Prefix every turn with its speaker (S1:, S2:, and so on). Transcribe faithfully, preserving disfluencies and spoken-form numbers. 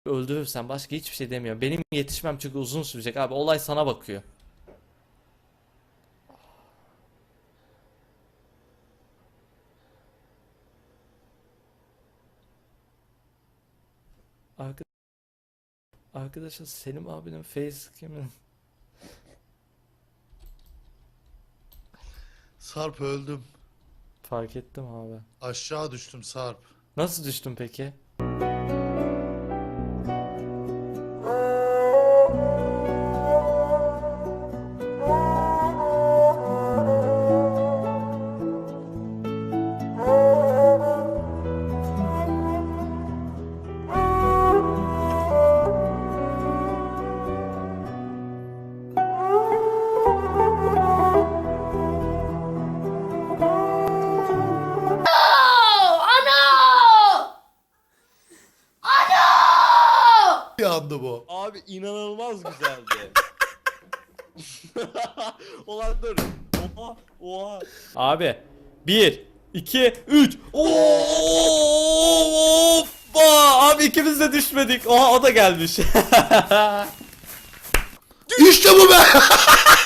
S1: Öldürürsen başka hiçbir şey demiyorum. Benim yetişmem çünkü uzun sürecek abi. Olay sana bakıyor. Arka- Arkadaşlar Selim abinin facecam'ı
S2: Sarp öldüm.
S1: fark ettim abi.
S2: Aşağı düştüm Sarp.
S1: Nasıl düştün peki?
S2: Bir anda bu.
S3: Abi inanılmaz güzeldi. Ulan dur. Oha oha.
S1: Abi bir iki üç. Of! Abi ikimiz de düşmedik. Oha o da gelmiş.
S2: İşte bu be.